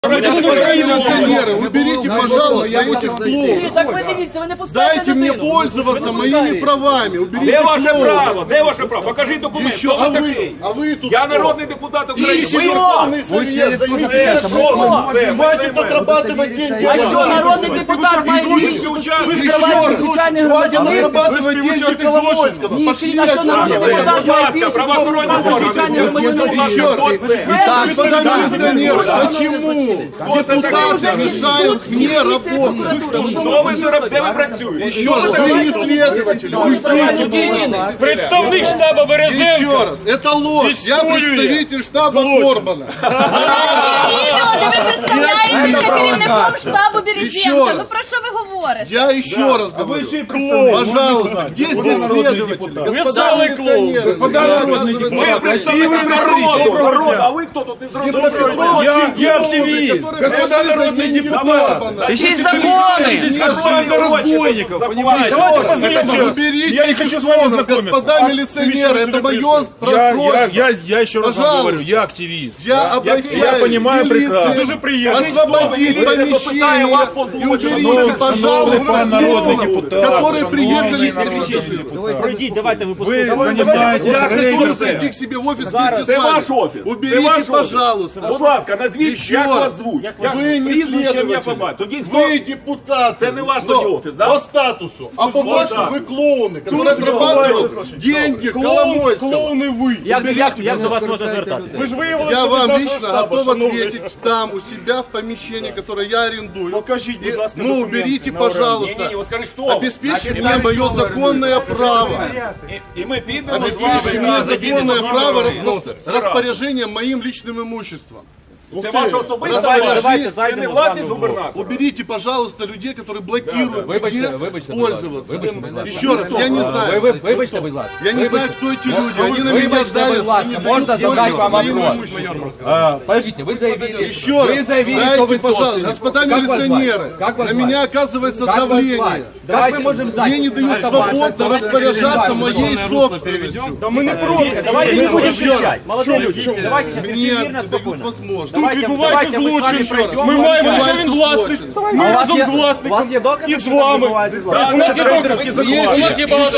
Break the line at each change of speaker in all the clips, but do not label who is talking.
Милиционеры, уберите, пожалуйста, этих клоунов. Дайте мне пользоваться моими правами. Уберите
Де ваше право? Де ваше право? Покажіть документ.
Еще, а вы тут...
Я народний депутат України.
Верховный Совет, займитесь законом. Хватит отрабатывать деньги.
А що, народний депутат має більше відкривати звичайних
Хватит
громадян?
отрабатывать деньги Коломойского.
Ні,
Пошли
а що народний депутат має більше відкривати звичайних громадян?
Еще раз. Господа милиционеры, почему депутаты мешают мне работать?
Де ви працюєте?
Еще раз, вы не следователь, уйдите.
Представник штабу Березенка.
Еще раз, это ложь. Я представитель штаба Корбана.
Відео, де ви представляєтеся керівником штабу Березенка. Ну про що ви говорите?
Я еще раз говорю, пожалуйста, где здесь следователи? Господа милиционеры, господа народные
Ви
депутаты.
представник народу. А ви хто тут? Не зрозуміло.
Я активист, господа народные депутаты.
Пишіть закони!
Банда разбойников, понимаете? Уберите их из комнат, господа милиционеры, это мое просьба.
Я еще раз вам говорю, я активист.
Я обращаюсь
Я понимаю
к
прекрасно.
милиции, освободить помещение и уберите, пожалуйста, слов, которые приехали.
Пройдіть, давайте ви
Вы
послухайте.
занимаетесь
Я хочу
рейдерством.
зайти к себе в офис вместе с
Це
вами.
ваш офіс.
Уберите, пожалуйста.
Будь ласка, назвіть,
Ще
як
раз.
вас звуть.
Ви не
Прізвищем я
слідователь.
побачу. Тоді хто?
Вы депутаты.
Это не ваш
но
тоді офис, да?
По статусу. А по факту
да.
вы клоуны, которые отрабатывают деньги Коломойского. Клоуны вы.
Як до вас можна звертатися?
Ви ж виявили,
Я
що ви з
вам
нашого
лично
штабу,
готов
шановний.
ответить там, у себя в помещении, которое я арендую.
Покажіть, будь ласка,
Ну,
документи
уберите,
на оренду.
пожалуйста.
Ні, скажи, хто?
Обеспечьте мне мое законное право.
І ми підемо з
Обеспечьте мне
вами.
законное право распоряжения моим личным имуществом.
Це ваше особисте
Давайте
право. Це
зайдемо
не
з
власність
вами.
губернатора.
Уберите, пожалуйста, людей, которые блокируют
Вибачте,
мне
вибачте, будь ласка.
пользоваться.
Вибачте, будь ласка.
Еще раз, я не знаю.
Вибачте, будь ласка.
Я не знаю, кто эти люди. Они на меня
Вибачте,
давят.
будь ласка,
и не
можно
дают
задать
пользоваться
вам
моим
вопрос?
имуществом.
Подождите, вы заявили,
Еще
вы
раз,
заявили, что
дайте,
вы
пожалуйста,
собственник.
господа
Как вас звать?
милиционеры,
Как вас
на
звать?
меня оказывается
Как вас
давление.
звать? Как мы можем знать?
Мне не дают
Это ваша
свободно распоряжаться моей собственностью.
Та ми не проти.
Давайте не будемо кричати. Молодые люди, давайте сейчас
Мне
очень
не
мирно,
дают
спокойно.
возможность.
Тут відбувається злочин. Ми маємо, що він власник. Ми разом з власником. І з вами. У нас є докази. У нас є багато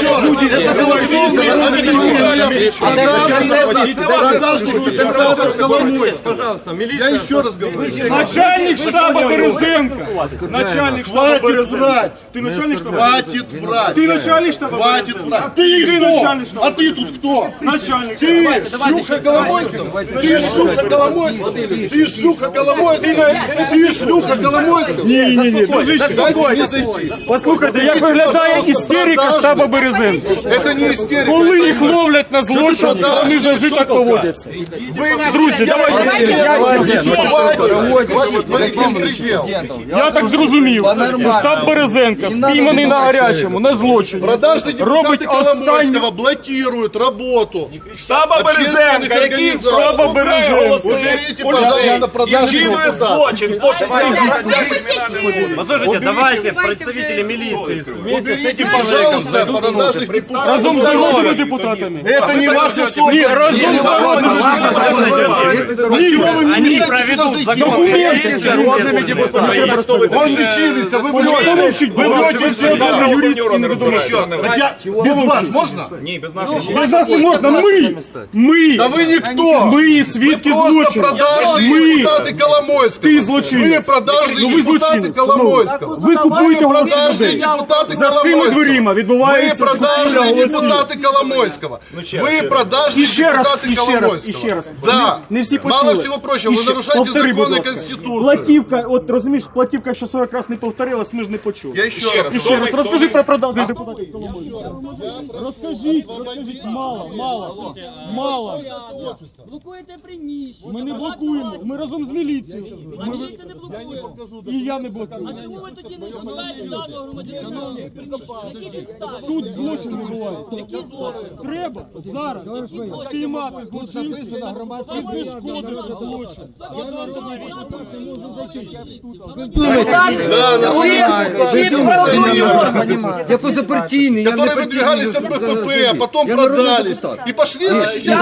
Я еще раз говорю.
Начальник штаба Березенка. Начальник штаба
Хватит
Березенка.
врать.
Ты начальник штаба?
Хватит врать.
Ты начальник штаба
Хватит
Березенка?
врать. Ты
Ты
кто?
начальник штаба.
А ты тут кто?
Начальник
Ты
штаба.
шлюха Коломойского? Ты шлюха Коломойского? Ты шлюха Коломойского? Ты шлюха Коломойского?
Ні, дружище.
Дайте мне зайти.
Послухайте, як виглядає істерика штаба Березенка.
Это не истерика.
Коли їх ловлять на злочині, вони завжди так поводяться. Друзі, давайте.
Хватит творить беспредел.
Я так зрозумів, що штаб Березенка спійманий на гарячому, на злочині.
Продажные
Робить
депутаты
останнє.
Коломойского блокируют работу.
Штаба Березенка, який
Штаба Березенка.
Уберите, пожалуйста, продажных
чинує
депутатов.
злочин. 116 стаття
Послушайте, давайте
Уберите.
представители милиции вместе с
Уберите,
этим
пожалуйста, продажных депутатов.
Разом з народними депутатами.
Это не ваша совесть.
Ні, разом з народними
Почему вы мне мешаете сюда зайти?
документи.
Он лечились, а вы врете. Вы врете всегда. Хотя без вас можно?
Без нас не можна. Ми.
Да вы никто.
Ми свідки
Просто
злочину.
продажные
Ми.
депутаты Коломойского.
Ты злочинец.
Вы продажные
Ну, вы
депутаты
злочинец.
Коломойского.
Ви купуєте голоси
Продажные
людей.
депутаты
За цими
Коломойского.
дверима
Вы
відбувається
продажные
закупівля голосів.
депутаты Коломойского. Вы продажные
І ще раз,
депутаты
і ще раз,
Коломойского.
і ще раз.
Да.
Не всі почули.
Мало всего прочего,
І
вы
ще-
нарушаете
повтори, будь
законы и
ласка.
Конституцию.
Платівка, от розумієш, платівка, якщо 40 разів не повторилась, ми ж не почули.
Я еще раз.
І ще раз, розкажи про продажних депутатів Коломойського. Розкажіть, мало.
Блокуєте приміщення.
Ми не блокуємо, ми разом з міліцією.
Міліція не блокує.
І я не блокую.
А чому ви тоді не називаєте даного громадянина? Які підстави?
Тут злочин відбувається.
Які злочини?
Треба зараз спіймати злочинців і знешкодити злочин.
Да,
Чи пропонуєте
Я позапартийный.
которые выдвигались от БПП, а потом продались. И пошли защищать.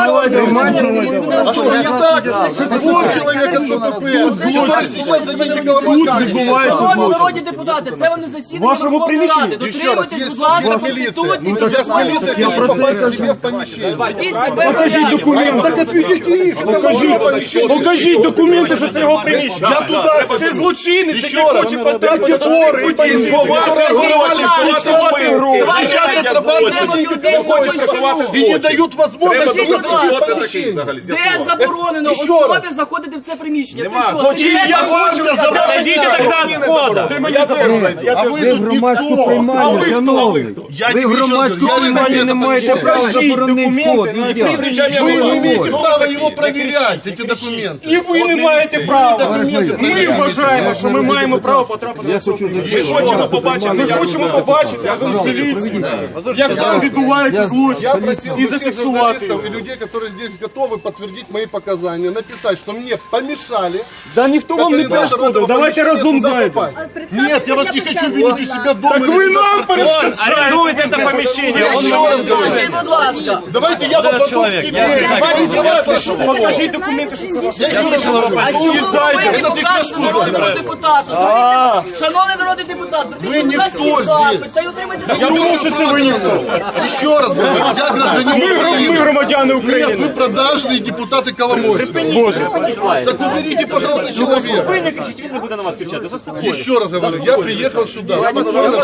А что не так? Вот человек от БПП. Что сейчас за деньги Коломойского?
Шановні народні депутати, це вони засідання
Вашому
Верховної Ради.
приміщенні.
Еще раз,
Дотримуйтесь,
есть
будь ласка,
суд, есть милиция.
Конституції.
Я с милицией хочу попасть к себе в помещение.
Покажіть документи.
Так отведите их.
Покажіть документи, що це його приміщення.
Я туда.
Це злочинець,
Еще
який
раз.
хоче потрапити до своїх бандитів.
Которые воровали сейчас отрабатывают деньги Коломойского и не дают возможности зайти в помещение.
Де заборонено
Ще
особі
раз.
заходити в це приміщення? Це
Ну,
що?
я хочу
Идите тогда от входа.
Ти мені заборони.
А ви тут
громадську
ніхто.
приймальню, шановний. Ви в громадську приймальню не маєте права заборонити вход.
Вы не имеете права его проверять, эти документы.
І ви не маєте права.
Документы
Ми вважаємо, що ми маємо право потрапити на цю приміщення. Ми хочемо побачити разом з міліцією, як там відбувається
Я
злочин.
просил
І
всех
зафіксувати
журналистов
його.
и людей, которые здесь готовы подтвердить мои показания, написать, что мне помешали.
Да ніхто вам не
координатор
перешкодив,
этого
давайте
помещения
разом
туда
зайдемо.
попасть. Нет, я вас не хочу видеть у себя дома.
Так ви нам перешкоджаєте.
Арендует это помещение. Он
Еще раз говорю.
Будь ласка.
Давайте я попаду к тебе. Я вас слышу.
Покажіть документи, що це ваш.
Я еще раз говорю.
Уїжджайте.
Это ты книжку забрал.
Шановний народний депутат,
Ви ніхто здесь.
Я думав, що це ви ніхто.
Еще раз говорю. Я гражданин
Ми
Украины.
громадяни
Нет,
України.
вы продажные депутаты Коломойского.
Боже.
Так уберите, пожалуйста, человека.
Ви не кричіть, він не буде на вас кричати. Заспокойтесь.
Еще раз говорю, я приехал сюда. Спокойно,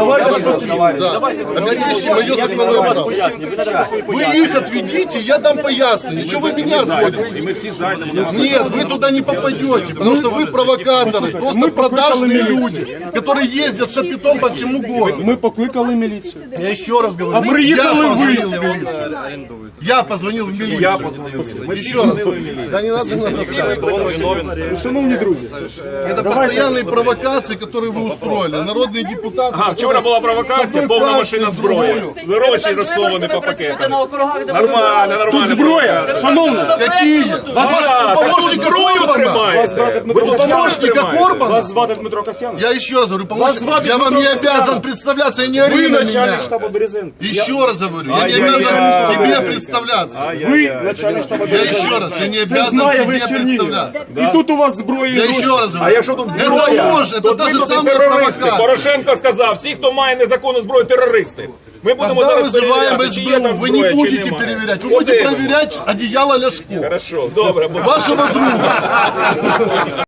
да. Обеспечьте мое законное право. Вы их отведите, я дам пояснение. Чего вы меня отводите? Нет, вы туда не попадете, потому что вы провокаторы, просто продажные люди, которые ездят шапитом по всему городу.
Ми покликали міліцію.
Я еще раз говорю,
А приїхали
я
ви.
позвонил в милицию. Я позвонил в милицию. Еще раз. Да не надо рассказывать.
Шановні друзі,
Это постоянные провокации, которые вы устроили. Народные депутаты.
Вчора була провокація, повна машина зброї. Гроші розсовані по пакетам. Нормально.
тут зброя. Шановні,
Какие? Помощника
Зброю
Корбана.
тримає.
Помощника Корбана.
вас звати Дмитро Касьян.
Я еще раз говорю,
Вас звать
помощник. Я вам не
Дмитро Касьян.
обязан представляться, и не
Ви
ори на меня.
начальник штабу Березенко.
Еще раз говорю, я не обязан тебе представляться.
Ви начальник штабу
Я
Березенко.
еще раз, я не
Це
обязан
знає
тебе
весь Чернігів.
представляться.
І тут у вас зброя і
Я
гроші.
еще раз говорю.
А якщо тут зброя,
Это ложь, это та же самая провокация.
Порошенко сказав, всі, хто має незаконну зброю, терористи. Ми будемо
Когда
зараз
вызываем
перевіряти, чи є
СБУ,
там
вы
зброя,
не
чи
будете
немає.
проверять, вы будете
Один.
проверять одеяло Ляшко,
Хорошо, добре.
вашего друга.